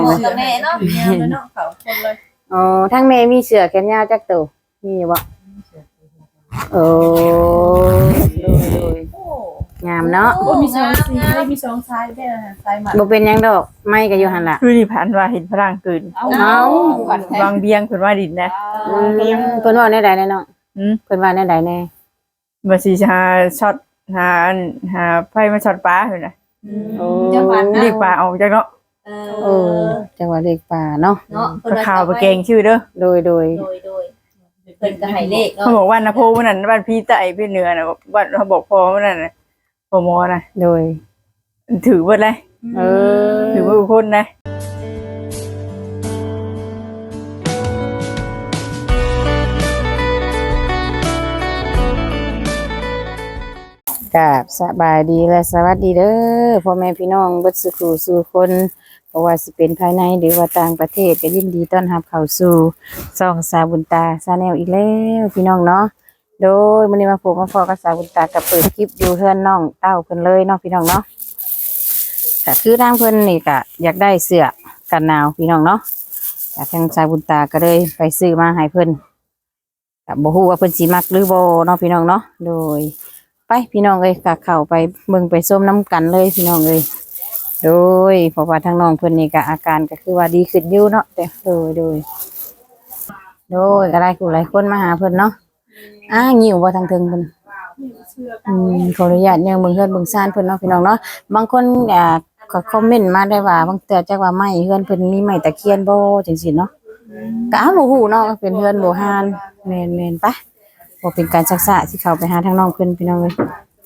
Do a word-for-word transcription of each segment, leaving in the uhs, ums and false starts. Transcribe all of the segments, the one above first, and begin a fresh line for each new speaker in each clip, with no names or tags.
เลย
กับแม่เนาะยามเนาะเขาคนเลย
อ๋อทั้งแม่มีเสือแขนยาวจักตัวมีบ่โอ้ดูดู
โอ้
งามเนาะ
โอ้มีสองสีได้มีสองสายได้สายหมัด
บ่เป็นหยังดอกไม่ก็อยู่หั่นล่ะ
คือที่ผ่านว่าเห็นพลังเกิน
เอา
วางเบียงเพิ่นว่าดินนะ
อืมเพิ่นว่าแนวใดแน่เนาะ
อืม
เพิ่นว่าแนวใดแน่
บ่สิหาช็อตหาหาไฟมาช็อตปลาเพิ่นน่ะ
จังหวัด
เรียกปลาออกจากเนาะ
เอ
เออจังหวัดเล็กป่าเนาะ
เนาะ
ก็ข่าวบ่เก่งชื่อเด้อ
โดยโดย
โดยโดยเพิ่นก็ให้เลขเนาะ
เขาบอกว่านะโพมันนั่นบ้านพี่ใต้พี่เหนือน่ะบ้านเขาบอกพอมันนั่นน่ะพอหมอน่ะ
โดย
ถือเบิดเลย
เออ
ถือว่าทุกคนนะ
กับสบายดีและสวัสดีเด้อพ่อแม่พี่น้องเบิดสุขสู่คนเพราะว่าสิเป็นภายในหรือว่าต่างประเทศก็ยินดีต้อนรับเข้าสู่ช่องสาวบุญตาชาแนลอีกแล้วพี่น้องเนาะโดยมื้อนี้มาพบมาพอกับสาวบุญตากับเปิดคลิปอยู่เฮือนน้องเต้าเพิ่นเลยเนาะพี่น้องเนาะก็คือทางเพิ่นนี่ก็อยากได้เสื้อกันหนาวพี่น้องเนาะก็ทางสาวบุญตาก็เลยไปซื้อมาให้เพิ่นก็บ่ฮู้ว่าเพิ่นสิมักหรือบ่เนาะพี่น้องเนาะโดยไปพี่น้องเอ้ยก็เข้าไปเบิ่งไปส้มน้ำกันเลยพี่น้องเอ้ยโดยเพราะว่าทางน้องเพิ่นนี่ก็อาการก็คือว่าดีขึ้นอยู่เนาะแต่โดยโดยโดยก็ได้ผู้หลายคนมาหาเพิ่นเนาะอ้างิ้วบ่ทางเทิงเพิ่นอืมขออนุญาตยังเบิ่งเฮือนเบิ่งซ่านเพิ่นเนาะพี่น้องเนาะบางคนอ่าก็คอมเมนต์มาได้ว่าบางเทื่อจักว่าไม้เฮือนเพิ่นมีไม้ตะเคียนบ่จังซี่เนาะก็อ้าวบ่ฮู้เนาะเป็นเฮือนโบราณแม่นๆปะบ่เป็นการซักษะสิเข้าไปหาทางน้องเพิ่นพี่น้องเอ้ย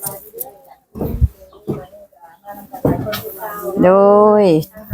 โดย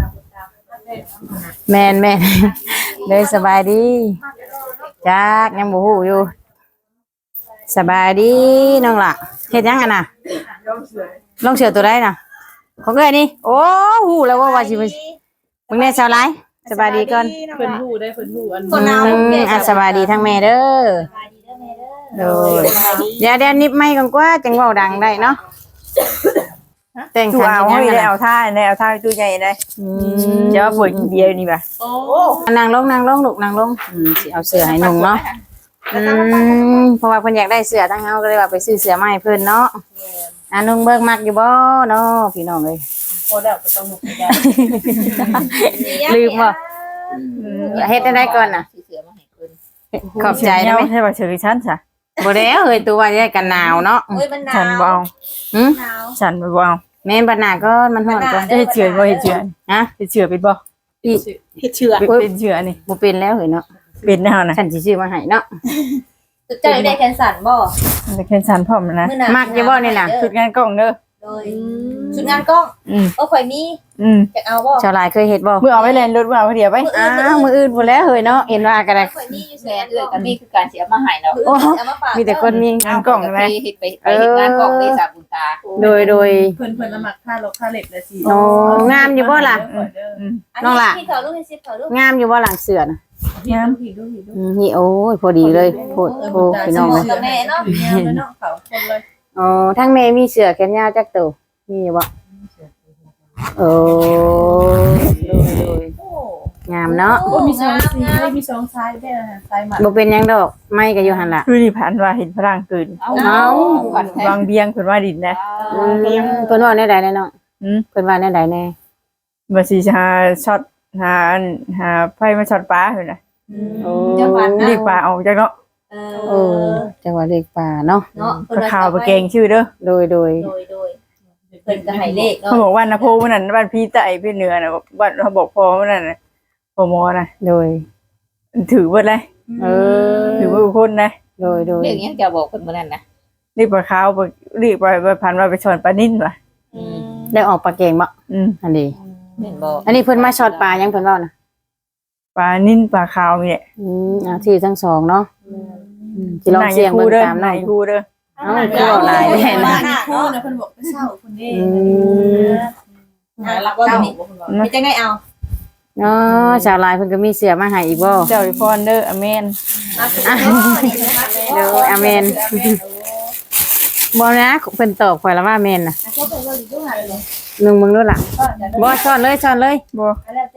แม่นแม่น เลยสบายดีจักยังบ่ฮู้อยู่สบายดีน้องล่ะเฮ็ดหยังอ่ะน่ะลองเสือตัวใดน่ะของเอ้ยนี่โอ้ฮู้แล้วว่าว่าสิมึงแน่ชาวไรสบายดีก่อน
เพิ่นฮู้ได้เพิ่นฮู้อัน
อืมอ่ะสบายดีทั้งแม่เด้อโดยเดี๋ยวเดี๋ยวนิบไม้ก่อนกว่าจังเว้าดังได้เนาะแต่ง
ตู้
ขัน
เอา
ยัง
ให้
ไง
ได้เอาท่าได้เอาท่าตู้ใหญ่ได้
อื
เดี๋ยวป่วยเดียวนี่ป่ะ
โอ้
นางลงนางลงลูกนางลงอืมสิเอาเสื้อให้นุ่งเนาะอืมเพราะว่าเพิ่นอยากได้เสื้อทั้งเฮาก็เลยว่าไปซื้อเสื้อมาให้เพิ่นเนาะอ่ะนุ่งเบิ่งมักอยู่บ่เนาะพี่น้องเอ้ย
โหแล้วก็ต้องลุกได้
ลืมบ่เฮ็ดได้ก่อนน่ะขอบใจได้
ได้
ไหม
ใช่ป่ะเฉยฉันจ้ะ
บ่แล้วเฮ้ยตัวว่าจะได้กันหนาวเนาะ
เฮ้ยมันหนา
ฉัน
ว
บ่เอา
หึ
หนาว
ฉันบ่เอา
แม่นบัดหน้าก็มันฮ้อนก่อน
เฮ็ดเฉือนบ่เฮ็ดเฉือน
ฮะ
เฮ็ดเฉือนเป็นบ่
อี
เฮ็ดเชือก
เป็นเฉือนนี่
บ่เป็นแล้วเฮ้ยเนาะ
เป็นแน่นะ
ฉันสิซื้อมาให้เนาะ
เจ้าได้แคนสันบ่
มันเป็นฉันพร้อมนะ
มื้อหน้า
มักอยู่บ่นี่น่ะ
ชุดงานกล้องเด้อ
โดยชุดงานกล้อง
อืม
โอ้ข่อยมี
อืม
อยากเอาบ่
ชาวหลายเคยเฮ็ดบ่
เมื่อเอาไว้แลนรถเมื่อเอาไว้เดียวไป
อ้าวมื้ออื่นพุ่นแล้วเฮ้ยเนาะเห็นว่าก็ได้
ข่อยมีอยู่แส
แม่
น
เอื้อยกับมีคือการเสียมาใหายเนาะ
โอ้
เอามาฝาก
มีแต่คนมี
งานกล้อง
ไป
ใช่ไหม
เฮ็ดไปไปเฮ็ดงานกล้องได้สาบุญตา
โดยโดย
เพิ่นเพิ่นละมักค่ารถค่าเหล็กเลยสิ
โอ้งามอยู่บ่ล่ะ
อืม
น้องล่ะ
ที่เขาลูกให้ซิปเขาลูก
งามอยู่บ่หลังเสือน่ะ
งามผิดดูผิดดู
อืมนี่โอ้ยพอดีเลยโพดโพดพี่น้องเลย
กับแม่เนาะยามเนาะเขาคนเลย
อ๋อทั้งแม่มีเสือแขนยาวจักตัวมีอยู่บ่โอ้โดยโดย
โอ้
งามเนาะ
โอ้มีสองสีได้มีสองสายได้สายหมัด
บ่เป็นหยังดอกไม่ก็อยู่หั่นล่ะ
คือที่ผ่านว่าเห็นพลังเกิน
เอา
เอา
ก่อนแท้
วางเบียงเพิ่นว่าดินนะ
อืมเพิ่นว่าแนวใดแน่เนาะ
อืม
เพิ่นว่าแนวใดแน่
บ่สิหาช็อตหาหาไฟมาช็อตปลาเพิ่นน่ะ
โอ้
จังหวัด
เรียกปลาออกจากเนาะ
เอ
โอ้จังหวัดเล็กป่าเนาะ
เนาะ
ก็ข่าวบ่เก่งชื่อเด้อ
โดยโดย
โดยโดยเพิ่นก็ให้เลขเนาะ
เขาบอกว่านะโพมันนั่นบ้านพี่ใต้พี่เหนือน่ะบ้านเขาบอกพอมันนั่นน่ะพอหมอน่ะ
โดย
ถือเบิดเลย
เออ
ถือว่าทุกคนนะ
โดยโดย
เรื่องนี้จะบอกคนมื้อนั้นนะ
รีบปลาขาวไปรีบไปไปพันว่าไปชอนปลานิ่นว่ะ
อืม
ได้ออกปลาเก่งบ่
อืม
อันนี้
แม่นบ่
อันนี้เพิ่นมาช็อตปลายังเพิ่นเว้านะ
ปลานิ่นปลาขาวมีเนี่ย
อืมเอาที่ทั้งสองเนาะอืมสิลองเสี่ยงเบิ่ง
เด้อ
ตาม
ไหน
น้อง
คูเด้อ
เอ้าคือเอาหลายแน่นะ
คู่นะเพิ่นบอกเศร้าคนนี้
อืม
หารับว่านี่ไม่จังได๋เอา
เนาะชาวลายเพิ่นก็มีเสื้อมาให้อีกบ่
เจ้าอีพรเด้ออเมน
มาคือนี่นะคะ
เด้ออาเมนบ่นะเพิ่นตอบข่อยแล้วว่าแม่นน่ะ
เขาเป็นว่าอยู่หันเลย
นึงมึงดูล่ะบ่ซ่อนเลยซ่อนเลย
บ่
แล้วแต่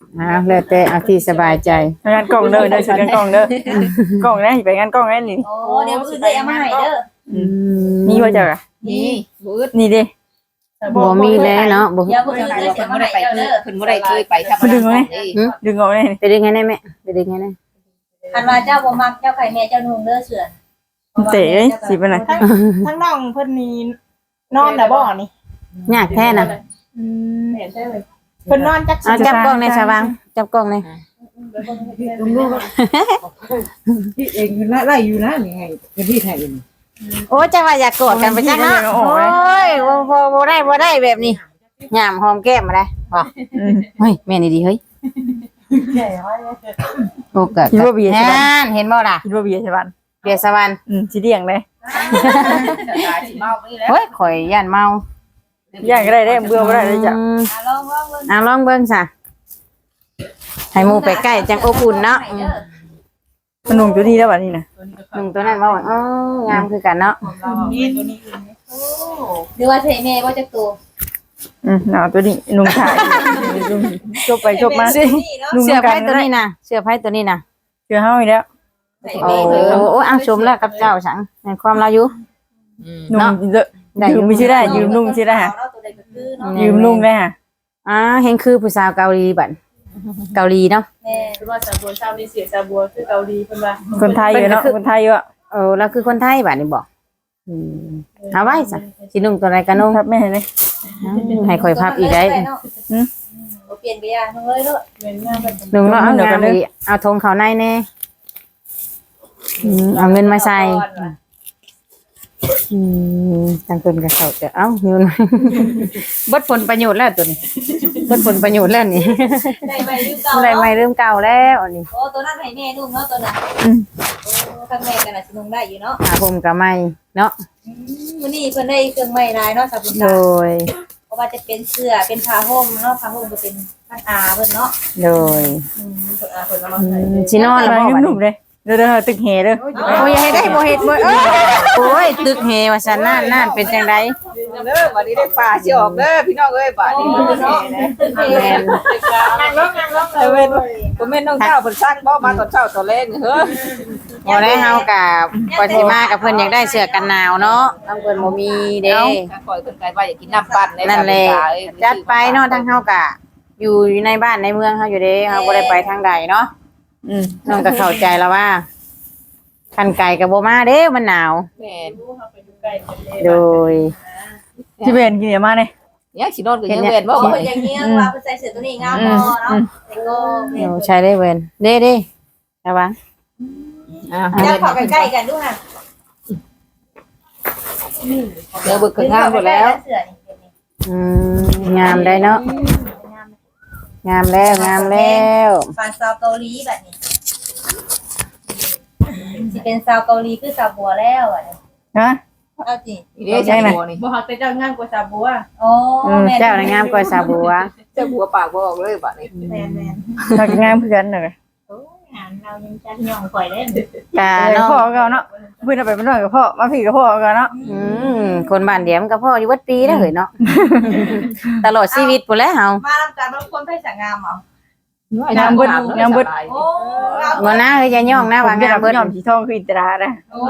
อ่าแล้วแต่เอาที่สบายใจ
งานกล้องเด้อเด้อสิงานกล้องเด้อกล้องนะสิไปงานกล้องแน่นี่
โอ้เดี๋ยวมื้ออื่นได้เอามาให้เด้อ
อืม
นี่ว่าจะอะ
นี่บืด
นี่ดิ
บ่มีแล้วเนาะบ่
เดี๋ยวมื้อ
เพิ่
อื่
น
นได้
บ่
เอา
ได้
มา
ไป
ให้เด้อ
เพิ่นบ่ได้เคยไปทำอะไรนี่
ดึงออกได้นี่
ไปได้ไงได้แม่ไปได้ไงได้
คันว่าเจ้าบ่มักเจ้าไข่แม่เจ้านุ่งเด้อเสือน
เตะสิไปไหน
ทั้งน้องเพิ่นนี่นอนน่ะบ่นี่
ยากแท้น่ะ
อืมเพิ่นนอนจัก
เอาจับกล้องในสว่างจับกล้องใน
พี่เองอยู่นะไล่อยู่นะนี่ไงเป็นพี่ไทยอยู่นี่
โอ้จังว่าอยากกอดกันไปจังเนาะโอ้ยบ่บ่บ่ได้บ่ได้แบบนี้ยามหอมแก้มมาได้บ่
อืม
เฮ้ยแม่นี่ดีเฮ้ยโอ้กะ
คิดว่าเบียร์ใช่ปะ
นั่นเห็นบ่ล่ะ
คิดว่าเบียร์ใช่ป่ะ
เบียร์สวรรค์
อืมสิเดียงเลย
ตาสิเมาไปแล้ว
เฮ้ยข่อยย่านเมา
ย่างก็ได้ได้เบื่อบ่ได้เลยจ้ะ
อืม
อ่ะลองลองเบิ่ง
เอาลองเบิ่งซะให้หมู่ไปใกล้จังอบอุ่นเนาะอืม
มันนุ่งตัวนี้แล้วบัดนี้นะ
หนุ่มตัวนั้นว่าอ๋องามคือกันเนาะ
นี่ตัวนี้
หรือว่าใช่แม่บ่จักตัว
อืมเอาตัวนี้นุ่งถ่ายจบไปจบมา
นี่เนาะ
นุ่ง
เสื้อ
กั
ไผ่
น
ตัว
ได้
นี้นะเสื้อไผ่ตัวนี้นะ
เจอเฮาอีกแล้ว
ใส่
โอ้
แม่เพิ่น
โอ้อ้างชมแล้วกับเจ้าสังในความเราอยู่
อืม
นุ่ง
เนาะ
เยอะ
ได้อยู่
ยืมไม่ใช่ได้ยืมนุ่งใช่ได้ฮะ
เนาตัวใดก็คือเนาะ
ยืมนุ่งได้ฮะ
อ่าเห็นคือผู้สาวเกาหลีบัดเกาหลีเนาะ
แม่
คือว่าซาบัวชาวนี่เสียซาบัวคือเกาหลีเพิ่นว่า
คนไทยอยู่เนาะคนไทยอยู่อะ
เออเราคือคนไทยบัดนี่บอกอืมเอาไว้ซะสินุ่งตัวไหนกันนุ่ง
ครับแม่เลย
ให้ข่อยพับอีกได้
อืมบ่เปลี่ยนไปอ่ะนุ่งเลยเด้อ
เป็นงานแบบ
นุ่งเนาะเอางามอีกเอาธงเขาในแน่อืมเอาเงินมาใส่อืมทางคนกับเขาจะเอ้าเงิน เบิดผลประโยชน์แล้วตัวนี้เบิดผลประโยชน์แล้วนี่
ได้ใหม่ลืมเก่า
อะไร
เนาะ
ไม่เริ่มเก่าแล้วอันนี้
โอ้ตัวนั้นให้แม่นุ่งเนาะตัวนั้นโอ้ข้างแม่กันน่ะสินุ่งได้อยู่เนาะ
หาผมกับไม่เนาะ
อืมมื้อนี้เพิ่นได้เครื่องไม้ลายเนาะสาบุญ
โด
ตาย เพราะว่าจะเป็นเสื้อเป็นผ้าห่มเนาะผ้าห่มก็เป็นผ้าอาเพิ่นเนาะ
โดย
อืมเพิ่นอาเพิ่นเอามา
อื
ให้
มชินอนแล้ว
มา
บอกว่า
นุ่มๆเลยเด้อเด้อตึกแห่เด้อ
โอ้ยให้ได้บ่เฮ็ดบ่เอ้ยโอ้ยตึกเฮว่าซั่นนั่นนั่นเป็นจังได
เด้อบัดนี้ได้ป่าสิออกเด้อพี่น้องเอ้ยบัดนี้มันแน่นะ
แม่น
งานลงงานลง
เออเว้นบ่แม่นน้องเจ้าเพิ่นสร้างบ่มาตอนเช้าตอนแลงเฮ้อ
บ่ได้เฮากับกว่าสิมากับเพิ่นอยากได้เสื้อกันหนาวเนาะทางเพิ่นบ่มีเด้
เอ้าคอยเพิ่นกันว่าอยากกินน้ำปั่น
นั่นแหละจัดไปเนาะทางเฮากะอยู่อยู่ในบ้านในเมืองเฮาอยู่เด้เฮาบ่ได้ไปทางใดเนาะ
อืม
น้องก็เข้าใจแล้วว่าคันไก่ก็บ่มาเด้มันหนาว
แม่น
โดย
ที่เป็นกินอย่ามาเนี่ย
ยังสินอนก็ยังเว้นบ่
เพิ่นอย่างเงี้ยว่าเพิ่นใส่เสื้อตัวนี้งามพอเนาะแต่ก็แม่
โอ้ใช้ได้เว้นเด้เด้ระวัง
อ่า
จะเข้าใกล้ๆกันดูค่ะ
เดี๋ยวเบิกก็งามหมดแล้ว
เสื้อนี่เป็นนี่
อืมงามได้เนาะงามแล้วงามแล้ว
ฟันซาวเกาหลีแบบนี้สิเป็นซาวเกาหลีคือซาวบัวแล้วอ่ะเนี่ย
ฮะ
เอาจริง
นี่เด้จังบัวนี่
บ่ฮักแต่เจ้างามกว่าซาบัว
โอ้
อืม
แม่
เจ้าน่ะงามกว่าสาวบัว
เจ้าบัวปากบ่ออกเลยบัดนี้
แม่แม่
ถ้างามเพื่อนหน่อย
โอ้งานเรายังจัดย่องข่อยได้
กะ
เนาะ
เนาะ
พ่อก็เนาะเพื่อนเอาไปเป็นน้อยกับพ่อมาพี่กับพ่อก็เนาะ
อืมคนบ้านเดียวมันก็พ่ออยู่วัดปีแล้วเฮ้ยเนาะตลอดชีวิตพุ่นแหล้วเฮา
มาทำการบางคนไปสั่งงามเหรอง
ามเบิดงามเบิด
โอ้งาม
บ่นะเฮ้ยอย่าย่องนะว่างามเบิด
ยอมสีทองคืออิตรานะ
โอ้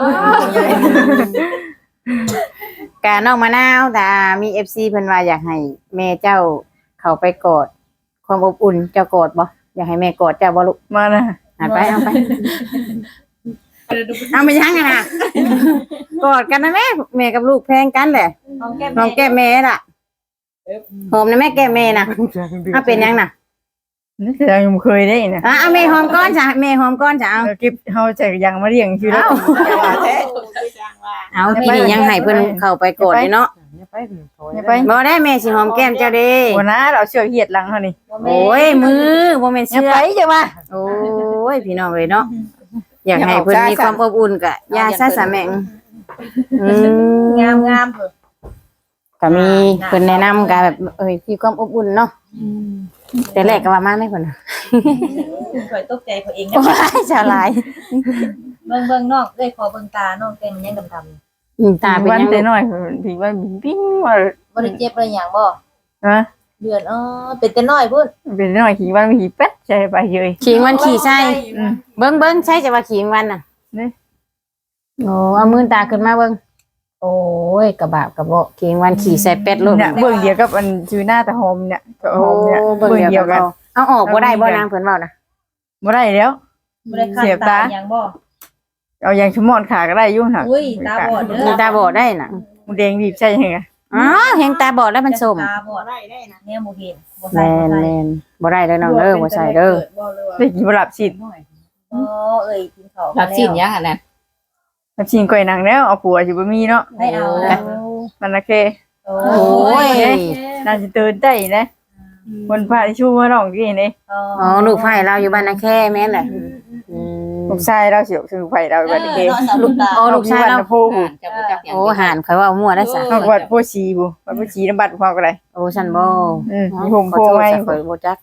กะน้องมะนาวแต่มี เอฟ ซี เพิ่นว่าอยากให้แม่เจ้าเข้าไปกอดความอบอุ่นเจ้ากอดบ่อยากให้แม่กอดเจ้าบ่ลูก
มานะ
หันไปเอาไปเอาไปยังไงนะกอดกันนะแม่แม่กับลูกแพงกันแหละ
หอมแก้ม
หอมแก้มแม่ล่ะหอมนะแม่แก้มแม่น่ะเอาเป็นยังน่ะ
นี่คือยังเคยได้นะ
อ่ะเอาแม่หอมก้อนจ้ะแม่หอมก้อนจ้ะเอา
เก็บเฮาใจยังมาเลี้ยงชีวิต
เอาพี่นี่ยังให้เพิ่นเข้าไปกอดอยู่เนาะ
ไปไป
บ่ได้แม่สิหอมแก้มเจ้าเด้
วันนั้นเราเชือกเหียดหลังเขานี่
โอ้ยมือบ่แม่น
อย่า
เชื่อ
ไปจังมา
โอ้ยพี่น้องเอ้ยเนาะอยากให้เพิ่นมีความอบอุ่นกะยาซะสะแม่งอืม
งามงามเถอะ
ก็มีเพิ่นแนะนำกะแบบเอ้ยมีความอบอุ่นเนาะแต่แรกก็ว่ามาได้เพิ่นน่ะ
ข่อยตกใจข่อยเองนะ
โอ้ยชาหลาย
เบิ่งเบิ่งนอกเอ้ยขอเบิ่งตานอกแก้มมันยังดำ
อืมตาเป็น
วัน
ยัง
แต่น้อยพี่ว่าปิ้งว่า
ๆบ่ได้เจ็บเลยหยังบ่
ฮะ
เดือนอ๋อเป็นแต่น้อยพุ่น
เป็นน้อยขี่วันขี่เป็ดใช่ไปเยย
ขิงวันขี่ใช่เบิ้งเบิ้งใช่จะว่าขิงวันน่ะ
นี่
โอ้เอามือตาขึ้นมาเบิ้งโอ้ยกระบะกระโบะขิงวันขี่ใส่เป็ดลูก
เนี่ยเบิ่งเดียวกับอันชื่อหน้าตาหอมเนี่ยกับ
โอ้
หอมเนี่ย
เบิ้ง
เบิ่ง
เดี
เดี
ย
ยว ว
กั
กัน น
เอาออกบ่ได้บ่นางเพิ่นเว้านะ
บ่ได้แล้ว
บ่ได้คัน
เสียบ
ตา
ตา
หยังบ่
เอาอย่างชั่วโมงขาก็ได้อยู่น่ะ
อุ้ยตาบอดเด้อ
มีตาบอดได้น่ะ
มันแดงบีบใช่ยังไง
อ๋อเห็นตาบอดแล้วมันส้ม
ตาบอด
ได้ได้นะ
เนี่ยบ่เห็นบ่ใส่
แม่
บ่
น
ใส่
แม่นบ่ได้เด้อน้องเด้อบ่ใส่เด้อ
ได้กินบหลับชิน
อ๋อเอ้ยกินข้าว
รับสินยังอ่ะนะ
หลับชินก่อยหนังแล้วเอาผัวสิบ่มีเนาะ
ให้เอานะ
มันโอเค
โอ้
โอ้ย
น่าจะตื่นได้นะคนพาที่ชูมาร้องที่นี่
อ๋อลูกไผ่เราอยู่บ้านนาแค่แม่นแหละอืม
ลูกชายเราเสียวคือไผเราบัดนี้
ลูกตา
อ๋อลูกชายเรา
โพผู้
จะบ่จักอย่าง
โอ้หานข่อยว่ามั่วได้ซะ
นอกวัดโพชีผู้วัดโพชีน้ำบัดพอก็ได้
โอ้ฉันบ่
อืม
อ๋อ
มีผม
ขอ
โพ
โทษ
ไว้
จ้ะข่อยบ่จัก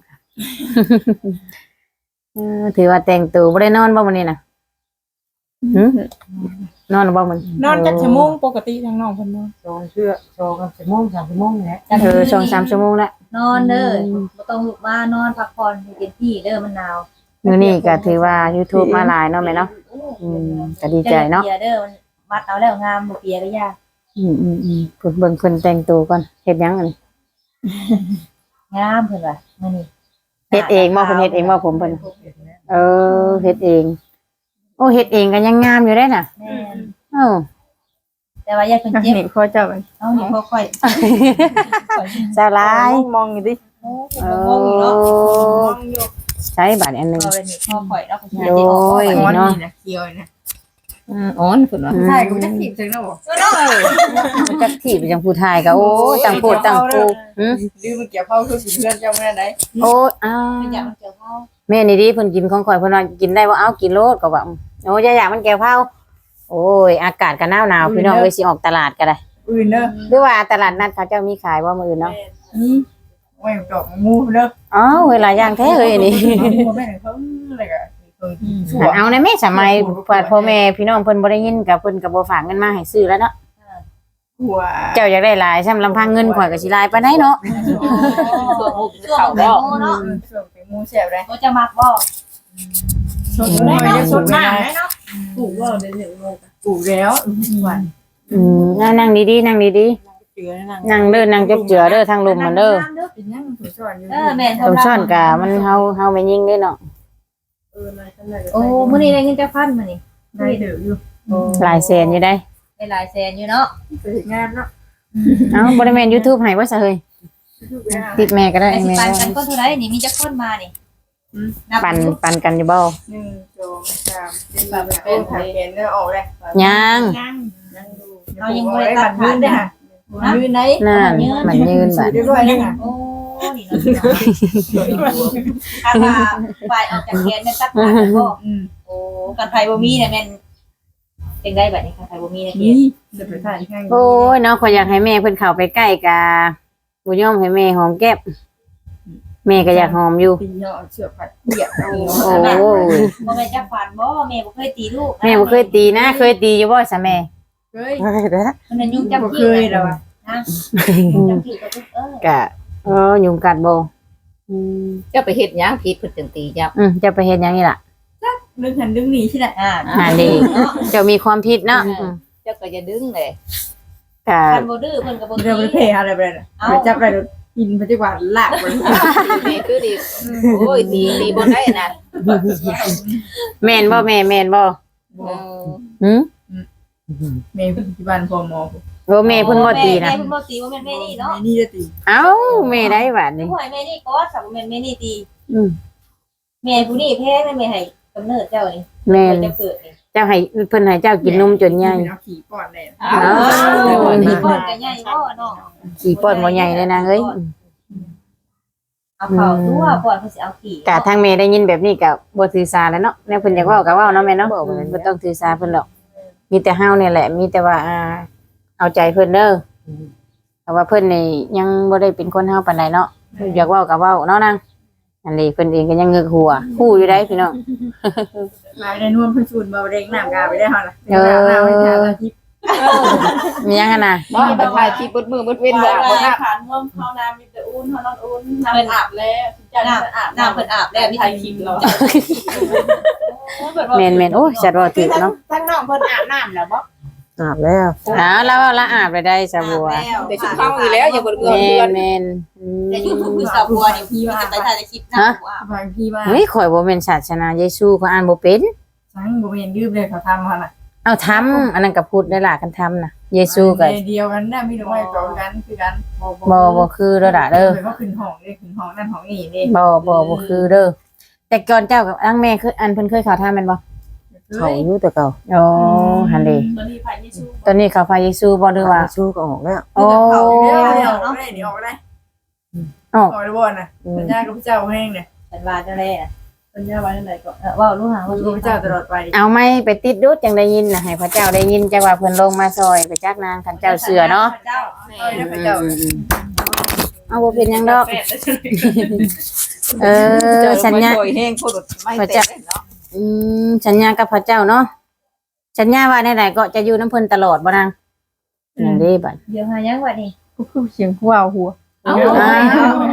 เออถือว่าแต่งตัวบ่ได้นอนบ่มื้อนี้น่ะหึนอนบ่มื้อน
อนจักชั่วโมงปกติทางน้องเพิ่นนอน
สองเชือกสองกับชั่วโมงสามชั่วโมงนี่แหละ
เออสองสามชั่วโมงละ
นอนเด้อบ่ต้องลุกมานอนพักผ่อนให้เต็มที่เด้อมันหนาว
มื้อนี้ก็ถือว่า YouTube มาหลายเนาะแม่เนาะอืมก็ดีใจเนาะ
เปียเด้อมันมัดเอาแล้วงามบ่เปียก็ยาก
อืมอืมอืมเพิ่นเบิ่งเพิ่นแต่งตัวก่อนเฮ็ดหยังอันนี้
งามเพิ่นว่ามื้อนี้
เฮ็ดเองบ่เพิ่นเฮ็ดเองบ่ผมเพิ่นเออเฮ็ดเองโอ้เฮ็ดเองก็ยังงามอยู่ได้น่ะ
แม่น
เอ้า
แต่ว่าอย่าเพิ่นเจ็บ
นี่พ่อเจ้ามัน
เอานี่ค่อย
สาลาย
มองอยู่ดิ
ๆโอ้
เอ
บ่งงอยู่เนาะ
อใช้บัตรอันหนึง
เอาเลยนี่พ่อข่อยเนาะเขาสิ
โอ้ย
มัน
เนาะ
นี่นะเคียวนะ
อ่าอ่อนพุ่นว่า
ใช่กูจะขีดจังนะบ่
มันจักที่ไปจังผู้ไทยก็โอ้ยต่างโพดต่างปูหึ
ดื้อมันเกี่ยวเข้าคือสิเพื่อนเจ้าแม่ไหน
โอ้ยอ้าว
เป็นอย่างมันเกี่ยวข้าว
แม่นี่ดิเพิ่นกินของข่อยเพิ่นว่ากินได้บ่เอากินโลดก็ว่าโอ้ยอย่าอยากมันแก้วเผาโอ้ยอากาศก็หนาวหนาวพี่น้องเอ้ยสิออกตลาดก็ได้
อื่นเด้อ
หรือว่าตลาดนัดเขาเจ้ามีขายบ่มื้ออื่นเนาะ
นี่โอ้ยดอกงูเด้อ
อ๋อเวลาย่างแท้เอ้ยอันนี่
งูแม่เขาอะไรก็ชั่ว
เอาในแม่สมัยพ่อแม่พี่น้องเพิ่นบ่ได้ยินกับเพิ่นก็บ่ฝากเงินมาให้ซื้อแล้วเนาะ
หัว
เจ้าอยากได้หลายซ้ำลำพังเงินข่อยก็สิหลายปานใดเนาะ
ส่วนมุก
ช่วง
เขา
แต
บ่
งโมเนาะ
ช่วงเป็นงูแซ่บเลย
ก็จะมักบ่
สดได้เนาะสดมาก
ได้เนาะ
ปลูกว่าได้ถึงโลกปลูกแล้วหวาน
อืมนั่งนั่งดีๆนั่งดี
เจือนั่ง
ๆนั่งเด้อนั่งจบเจือเด้อทางลมมันเด้อ
เป็นยังถูกสอนอยู่
เออแม่น
ตรงซ่อนกะมันเฮาเฮาไม่ยิงเด้อเนาะ
เออมาขนาด
โอ้มื้อนี้ได้เงินจักพันมื้อนี้
ได้เดือดอยู่
หลายแสนอยู่ได้
ได้หลายแสนอยู่เนาะ
ไปถึงงานเนาะ
เอ้าบ่ได้แม่น YouTube ให้ว่าซะเฮ้ยติดแม่ก็ได้
ไอ้สิ
แม่
ปันกันก็เท่าไหร่นี่มีจักคนมานี่นับ
ปันปันกันอยู่บ่
หนึ่งสองสามสี่ห้าหกถ่ายแขนเนื้อออกเลย
ยัง
เรายังบ่ได้ตัดขา
ยื
ด
น
เด้
ได้
อ
ค่ะยืนไหน
นั่นมันยืนบัด
เรียบร้อยแล้วค่ะ
โอ้นี่เนาะถ้าว่าฝ่ายออกจากแกนแม่นตัดขาดกันบ่
อืม
โอ้กันไผบ่มีเนี่ยแม่นเป็นได้บัดนี้กันไผบ่มีเนี่ยเกีย
นี่จะไปถ่ายข้าง
โอ้ยเนาะข่อยอยากให้แม่เพิ่นเข้าไปใกล้กะบ่ยอมให้แม่หอมแก้มแม่ก็อยากหอมอยู่
ตีเนาะเชือกผัดเปียกเอา
โอ้ย
บ่แม่นจักฝันบ่แม่บ่เคยตีลูก
แม่บ่เคยตีนะ เคยตีอยู่บ่ซะแม่
เฮ้ย
มันเป็นยุงจับ
บ่
ขี้
เคยแล้วอ่ะ
นะยุงจับขี้ก็ทุกเออก
ะเออยุงกัดบ่อืม
จะไปเฮ็ดหยังผิดเพิ่นจึงตีเจ้า
อืมจะไปเฮ็ดหยังนี่ล่ะ
ดึงหันดึงหนีใช่ไหม
อ่า
หาดีเจ้ามีความผิดเนาะอืม
เจ้าก็จะดึงเลย
กะ
คันบ่ดื้อเพิ่นก็บ่
เดี๋ยวไป
ตี
เพย์อะไรไปเลยไปจับอะไรอินปัจจุบันลากไป
แม่คือดีโอ้ยตีตีบ่ได้นะ
แม่นบ่แม่แม่นบ่
เออ
หืม
เมย์ปัจจุบันพอมอ
โอ้แม่เพิ่นบ่ตีนะ
แม่เพิ่นบ่ตีบ่แม่นแม่นี่เนาะ
นี่จะตี
เอ้าแม่ได้บาดนี้
ผู้ให้แม่นี่ก็สับบ่แม่นแม่นี่ตี
อืม
แม่ผู้นี้แพ้แม่แม่ให้กำเนิดเจ้านี่
แม่น
จะเกิดนี่
เจ้าให้เพิ่นให้เจ้ากินนมจนใหญ่
เอาขี่ก่อนเลย
อ้า
อ้าว
ว
มีก้อนก็ใหญ่บ่เนาะ
ขี้ป้อนบ่ใหญ่เลยนะเฮ้ย
เอาเข้าตัวก่อนเพิ่นสิเอาขี้
กะทางแม่ได้ยินแบบนี้ก็บ่ถือสาแล้วเนาะแนวเพิ่นอยากเว้าก็เว้าเนาะแม่เนาะบ่ต้องถือสาเพิ่นหรอกมีแต่เฮาเนี่ยแหละ มีแต่ว่าอ่าเอาใจเพิ่นเด้อแต่ว่าเพิ่นนี่ยังบ่ได้เป็นคนเฮาปานใดเนาะอยากเว้าก็เว้าเนาะนางอันนี้เพิ่นเองก็ยังงึกหัวฮู้อยู่ได้พี่น้อง
มาได้นวลพื้นสูนมาเร่งน้ำกาไปได้ฮะล่ะน้ำน้ำให้ทานทิพย์
มียังกันน่ะ
บ่ต้องถ่ายคลิปเบิดมื้อเบิดเว้นบ่อาบบ่น้ำ
ผ่านม่วงเข้าน้ำมีแต่อุ่นเขานอนอุ่นน้ำอาบแล้วจะน้ำอาบ
น้ำเพิ่นอาบแล้วมี
ไท
แต่
ย
ค
คิ
ลิ
ด
ป
เรา
แม่นแม่นโอ้ยจัดว่าถึกเนาะ
ทั้งน้องเพิ่นอาบน้ำแล้วบ่
อาบแล้ว
อ้าวแล้วละอาบไปได้สะบัว
แต่ชุดเข้าอยู่แล้วอย่าบ่เบื่อ
แม่
เพื่อน
นแม่นอืม
แต่ YouTube คือสาวบัวนี่พี่มันจะไปถ่ายคลิปน้ำอาบ
บางพี่ว่า
เฮ้ยข่อยบ่แม่นศาสนาเยซูเขาอ่านบ่เป็น
สังบ่เห็นยืมเลยเขาทำมาน่ะ
เอาทำอันนั้นก็พูดได้ล่ะกันทำน่ะเยซูก็
เดียวกันนะมีแต่ว่าต่อกันคือกัน
บ่บ่คือเด้อล่ะเด้อ
ก็ขึ้นห้องเด้ขึ้นห้องนั่นห้องนี่เด้
บ่บ่บ่คือเด้อแต่ก่อนเจ้ากับอังแม่คืออันเพิ่นเคยเข้าทำแม่นบ่
เขาอยู่แต่เก่า
โอ้หั่นเด้
ตอนนี้ผ่านยิสู
ตอนนี้เขาพาเยซูบ่หรือว่า
สู้ก็ออกแล้ว
โอ้
เดี๋ยวเดี๋ยวเนาะเดี๋ยวออกได้
ออก
ออกได้บ่น่ะสัญญากับพระเจ้าแห้งเนี่ย
ฉันว่าจังได๋น่ะ
สัญญาไว้ไหนก็
เออว่ารู้หาว่า
กับพระเจ้าตลอดไป
เอาไม้ไปติดดูดจังได้ยินน่ะให้พระเจ้าได้ยินจังว่าเพิ่นลงมาซอยไปจักนางคันเจ้าเสือเนาะ
เจ้า
เอ้ยพระเจ้า
เอาบ่เป็นหยังดอก
แปด
เออสัญญา
โอยแห้งโคตรไม่เตะเนาะ
อืมสัญญากับพระเจ้าเนาะสัญญาว่าไหนๆก็จะอยู่น้ำเพิ่นตลอดบ่นางนั่นเด้บัด
เดี๋ยวหายังว่านี่
ก็คือเสียงหัวหัว
เอ้า
อ้าว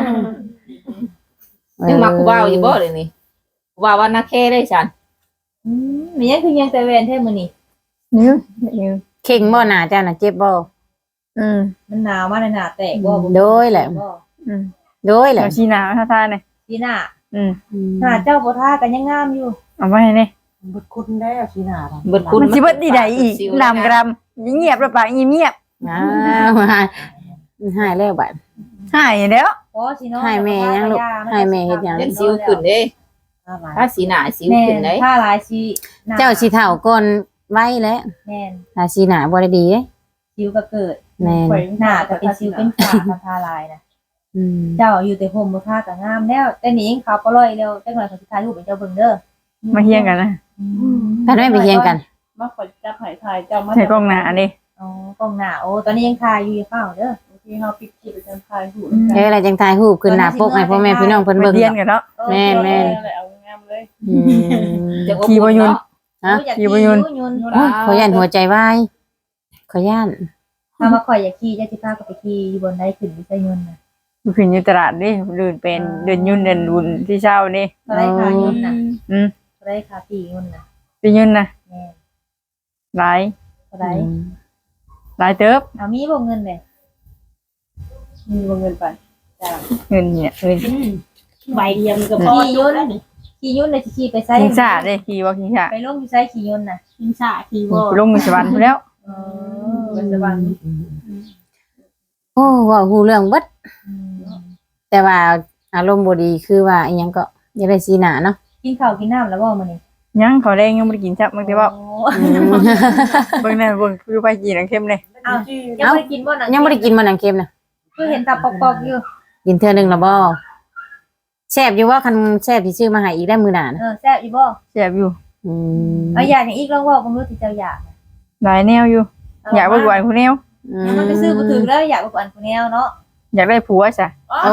ยังมากูว่าวอยู่บ่เลยนี่กูว่าว่านักแค่ได้ฉัน
อืมมียังคือยังแต่เวนแท้มื้อนี้
นิ้วนิ้ว
เข่งบ่หน้าเจ้าน่ะเจ็บบ่
อืม
มันหนาวมากเลยหนาแตกบ่บ่
โดยแหละ
บ่
อืม
โดยแห
แล้
ละ
วชีนาท่าท่าเนี่ย
พี่หน้า
อืม
หน้าเจ้าบ่ท่ากันยังงามอยู่
เอาไว้เนี่ย
บดคุณแล้วชีนาเรา
เบิดคุณ
มันสิเบิดดีใดอีกนำกรัมเงียบแล้วปะเงียบ
อ้าวหายหายแล้วบัด
หายแล้ว
โอ้สิเนาะ
ให้แม่ยังลูกให้แม่เฮ็ดหยัง
เล่นซิวขึ้นเด้ถ้าสีหน้าซิว
แม่
ขึ้น
น
เด้
ท่าหลายสิหน้
เจ้าสิเฒ่าก่อนไว้แล้ว
แม่น
ถ้าสิหน้าบ่ได้ดีเด้
สิวก็เกิด
แม่น
หน้าก็เป็นสิวเป็นฝากับท่าหลายนะ
อืม
เจ้าอยู่แต่ห่มบ่ท่าก็งามแล้วแต่นี่ยังขาวปล่อยแล้วจังหน่อยเขาสิถ่ายรูปให้เจ้าเบิ่งเด้อ
มาเฮียงกันนะ
ถ้าได้ไปเฮียงกัน
มาขอจับหายทายเจ้ามา
ใส่กล้องหน้านี่
อ๋อกล้องหน้าโอ้ตอนนี้ยังถ่ายอยู่อย่าเฝ้าเด้อ
ที่เฮาปิดคลิปประจำทายหู
เอ้ยอะไรจังถ่ายรูปขึ้นหน้าปกให้พ่อแม่พี่น้องเพิ่น
มา
เบิ่ง
เฮียง
เนาะ
กันเนาะ
แม่นแม่น
เอางามเลย
อืม
จะ
ขี่บ่ยุน
ฮะ
โอ้อยาก
ขี่บ่ยุน
ยุน
โอ้ยขอย่านหัวใจวายขอย่าน
ถ้ามาข่อยอยากขี่จะสิพาก็ไปขี่อยู่บนได้ขึ้นวิทยุนน่ะ
ขึ้นอยู่ตลาดนี่เดินเป็นเดินยุ่นเดินบุญที่เช้านี่
เท่าไรค่ายุนน่ะ
อืม
เท่าไรค่าปียุนน่ะ
เป็นยุ่นนะ
แม่
หลาย
เท่าไร
อืม
หลายเติบ
เอามีบ่เงินเลย
มีวงเงินไป
เงินเนี่ยเงิน
ใบเดียวมันก็พอ
ขี่ยุนขี่ยุนเลยสิขี่ไปไส
ขิงชาเลยขี่ว่าขิงชา
ไปลงอยู่ไสขี่ยุนน่ะ
กินชาทีวอ
ลงมือสวรรค์แล้ว
เออ
ปัจจุบัน
โอ้เว้าฮู้เรื่องเบิดแต่ว่าอารมณ์บ่ดีคือว่าอีหยังก็อย่าได้สีหน้าเนาะ
กินข้าวกินน้ำแล้วบ่มื้อนี้
ยังเขาแรงยังไม่ได้กินจับมันแต่ว่า
โอ้
อืม
เบิ่งนั่นเบิ่งคือไปกินน้ำเค็มเลย
อ้าวยังบ่ได้กินบ่น่ะ
ยังบ่ได้กินมันหนังเค็มน่ะ
คือเห็นตาปอกๆอยู่
กินเทื่อหนึงแล้วบ่แซ่บอยู่ว่าคันแซ่บที่ซื้อมาให้อีกได้มื้อหน้านะ
เออแซ่บอีบ่
แซ่บอยู่
อืม
เอาอยากอย่างอีกลองเว้าบ่รู้ที่เจ้าอยาก
หลายแนวอยู่ อยากไปกวนผู้แนว
ยังมันไปซื้อบ่ถึงแล้วอยากไปกวนผู้แนวเนาะ
อยากได้ผัวจ้ะ
โอ้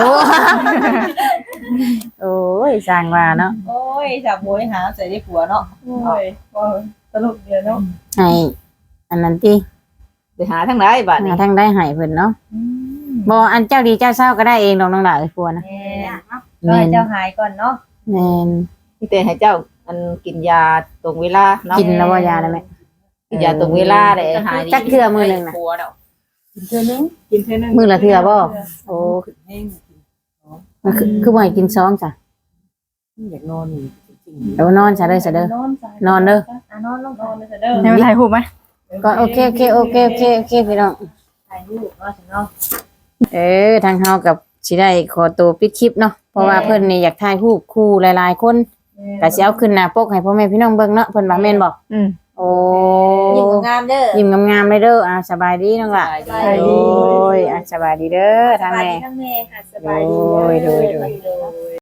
โอ้ยสร้างว่าเนาะ
โอ้ยจับโวยหาใส่ได้ผัวเนาะ
โอ้ยบ่สรุปเดียวเนาะ
ให้อันนั้นติ
ไปหาทางไหนบัดนี้
หาทางได้ให้เพิ่นเนาะบ่อันเจ้าดีเจ้าเศร้าก็ได้เองดอกน้องหลาเอ้ยพัวนะ
แม่ก็ให้เจ้าหายก่อนเนาะ
แม่น
ที่แต่ให้เจ้าอันกินยาตรงเวลาเนาะ
กินแล้วว่ายาได้ไหม
กินยาตรงเวลาได้หาย
จักเทื่อมื้อหนึงน่ะ
ผัวแล้ว
กินเท่านึงกินเท่านึง
มื้อละเทื่อบ่โอ้
แห้ง
มันคือคือบ่ให้กินซองจ้ะ
อยากนอนนี่จริง
เดี๋ยวนอนซะเด้อซะเด้อน
อนจ้ะ
นอนเด้อ
อ่ะนอนลง
น
ก่อ
อน นเลยจ้ะเด้อ
ให้มาถ่ายรูปไหม
ก็โอเคโอเคโอเคโอเคโอเคพี่น้อง
ถ่ายรูปเนาะสิเนาะ
เออทางเฮากับสิได้ขอตัวปิดคลิปเนาะเพราะว่าเพิ่นนี่อยากถ่ายรูปคู่หลายๆคนก็สิเอาขึ้นหน้าปกให้พ่อแม่พี่น้องเบิ่งเนาะเพิ่นว่าแม่นบ่
อืม
โอ้
ยิ้มงามเด้อ
ยิ้มงามๆเลยเด้ออ่าสบายดีน้องล่ะ
สบายดี
โอ้ยอ่ะสบายดีเด้อทางแม่
ทั้งแม่
สบายดี
โอ้ยโดยโดย
โดย